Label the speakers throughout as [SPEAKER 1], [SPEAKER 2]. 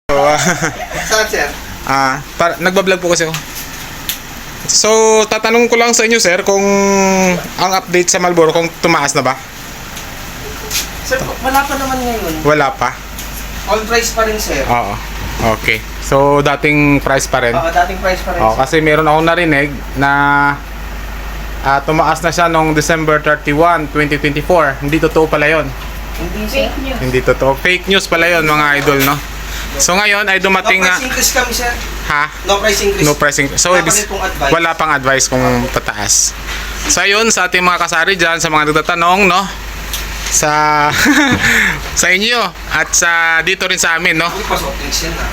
[SPEAKER 1] Saan, sir?
[SPEAKER 2] Nagbablog po kasi ako. So, tatanong ko lang sa inyo, sir, kung ang update sa Marlboro, kung tumaas na ba?
[SPEAKER 1] Sir, wala pa naman ngayon.
[SPEAKER 2] Wala pa?
[SPEAKER 1] On price pa rin, sir.
[SPEAKER 2] Oo. Okay. So, dating price pa rin?
[SPEAKER 1] Oo, dating price pa rin,
[SPEAKER 2] Oo,
[SPEAKER 1] sir.
[SPEAKER 2] kasi meron akong narinig na tumaas na siya noong December 31, 2024. Hindi totoo pala yon.
[SPEAKER 1] Hindi, sir.
[SPEAKER 2] Hindi totoo. Fake news pala yon, mga idol, no? So, ngayon ay dumating
[SPEAKER 1] No price increase kami, sir.
[SPEAKER 2] Ha?
[SPEAKER 1] No price increase.
[SPEAKER 2] No pricing. So,
[SPEAKER 1] Wala pa rin pong advice.
[SPEAKER 2] wala pang advice kung tataas. So, ayun, sa ating mga kasari dyan, sa mga nagtatanong, no? Sa sa inyo at sa dito rin sa amin, no?
[SPEAKER 1] Uy, pasok din siya na.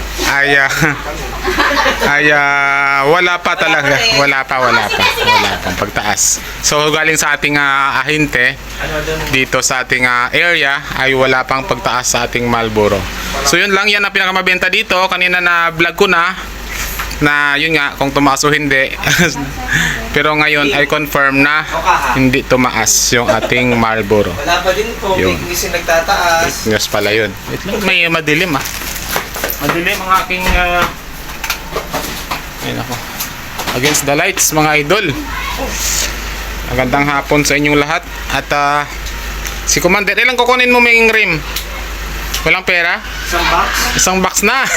[SPEAKER 2] Wala pa talaga. Wala pang pagtaas. So, galing sa ating ahente
[SPEAKER 1] Ano doon?
[SPEAKER 2] dito sa ating area ay wala pang pagtaas sa ating Marlboro. So, yun lang, yan ang pinakamabenta dito. Kanina na vlog ko na yun nga, kung tumaas o hindi. Pero ngayon ay confirm na hindi tumaas yung ating Marlboro.
[SPEAKER 1] Wala pa din po.
[SPEAKER 2] Yun.
[SPEAKER 1] Hindi siya nagtataas.
[SPEAKER 2] News pala yun. Wait lang, may madilim madilim ang aking ayun ako. Against the lights, mga idol. Magandang hapon sa inyong lahat. At si Commander, ilang kukunin mo may rim? Walang pera?
[SPEAKER 1] Isang box?
[SPEAKER 2] Isang box na.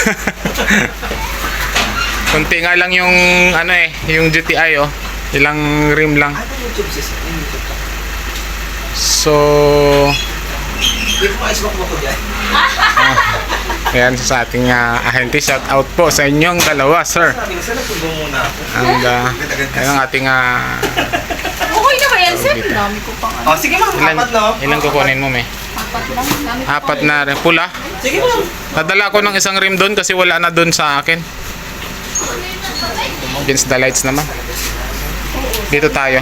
[SPEAKER 2] Kunti nga lang yung yung GTI ilang rim lang.
[SPEAKER 1] Ano YouTube siya? YouTube ka.
[SPEAKER 2] So
[SPEAKER 1] Wait mo, isbak mo ko dyan.
[SPEAKER 2] ayan sa ating ahente, shout out po sa inyong dalawa, sir.
[SPEAKER 1] Sabi nga, sir, nagtulong muna ako.
[SPEAKER 2] And ayun ang ating
[SPEAKER 3] Okay na ba yan, sir? Dami ko pang ano.
[SPEAKER 1] Oh, sige ma'am, apat na.
[SPEAKER 2] ilang kukunin mo, me?
[SPEAKER 3] Apat lang. Dami ko
[SPEAKER 2] Apat na rin. Pula.
[SPEAKER 1] Sige ma'am.
[SPEAKER 2] Nadala ko ng isang rim doon kasi wala na doon sa akin. Against the lights naman. Dito tayo.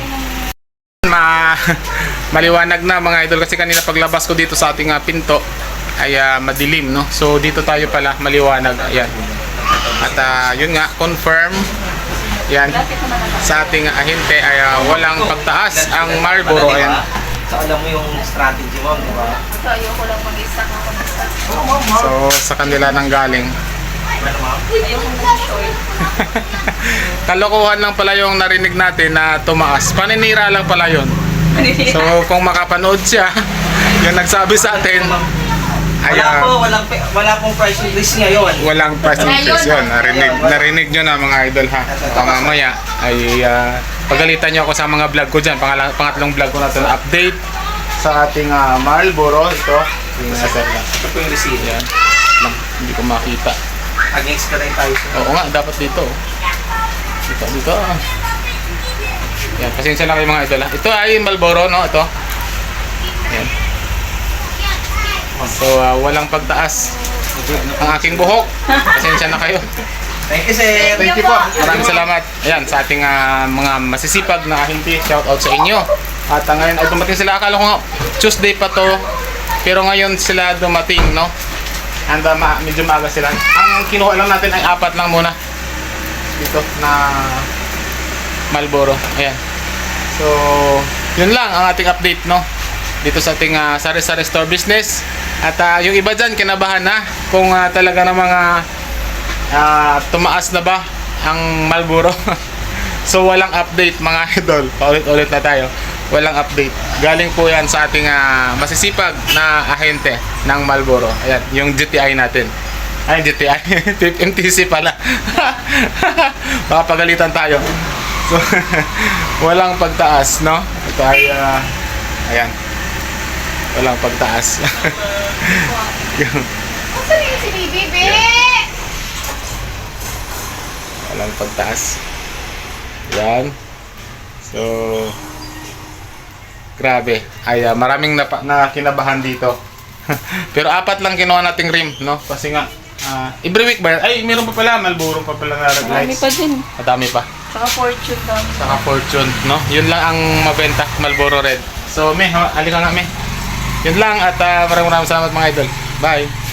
[SPEAKER 2] Maliwanag na, mga idol, kasi kanina paglabas ko dito sa ating pinto ay madilim, no? So dito tayo pala maliwanag. Ayan. At yun nga, confirm yan sa ating ahente ay walang pagtaas ang Marlboro. Ayan.
[SPEAKER 1] So alam mo yung strategy mo, di ba?
[SPEAKER 3] So, ayoko lang mag-stack ako ng stack.
[SPEAKER 1] Oo, ma'am.
[SPEAKER 2] So sa kanila nang galing.
[SPEAKER 1] Ano ma'am?
[SPEAKER 3] Ayoko mag-short.
[SPEAKER 2] Kalokohan lang pala yung narinig natin na tumaas. Paninira lang pala yun. So kung makapanood siya, yung nagsabi sa atin, ay
[SPEAKER 1] Wala pong price increase ngayon.
[SPEAKER 2] walang price increase yun. Narinig nyo na, mga idol, ha. Mamaya ay pagalitan nyo ako sa mga vlog ko dyan. Pangatlong vlog ko na ito na update sa ating Marlboro. Ito yung nasa
[SPEAKER 1] Ito po yung receipt.
[SPEAKER 2] yan. Hindi ko makita.
[SPEAKER 1] Against ka rin tayo sa...
[SPEAKER 2] Oo nga, dapat dito. Dito. Yan, pasensya na kayo, mga idol, ha. Ito ay Marlboro, no? Ito. Yan. So, walang pagtaas ang aking buhok. Pasensya na kayo.
[SPEAKER 1] Thank you, sir.
[SPEAKER 2] Thank you po. Maraming salamat. Ayan, sa ating mga masisipag na ahente, shout out sa inyo. At ngayon ay dumating sila. Akala ko nga Tuesday pa to, pero ngayon sila dumating, no? And medyo maaga sila. Ang kinuha lang natin ay 4 lang muna. Dito na Marlboro. Ayan. So, yun lang ang ating update, no? Dito sa ating sari-sari store business. At yung iba dyan, kinabahan na kung talaga na mga tumaas na ba ang Marlboro. So, walang update, mga idol. Paulit-ulit na tayo. Walang update. Galing po yan sa ating masisipag na ahente ng Marlboro. Ayan, yung GTI natin. Ay, GTI. MTC pala. Baka pagalitan tayo. So, walang pagtaas, no? Ito ay, ayan. Walang pagtaas.
[SPEAKER 3] Saan yung si Bibi?
[SPEAKER 2] Walang pagtaas. Yan. So, grabe. Ay, maraming na kinabahan dito. Pero 4 lang kinuha nating rim, no? Kasi nga, every week ba yan? Ay, meron pa pala. Marlboro pa pala na red
[SPEAKER 3] Marami
[SPEAKER 2] lights.
[SPEAKER 3] pa din.
[SPEAKER 2] Madami pa.
[SPEAKER 3] Saka fortune dami.
[SPEAKER 2] Saka Fortune, no? Yun lang ang mabenta, Marlboro Red. So, halika nga, Yun lang at maraming salamat, mga idol. Bye!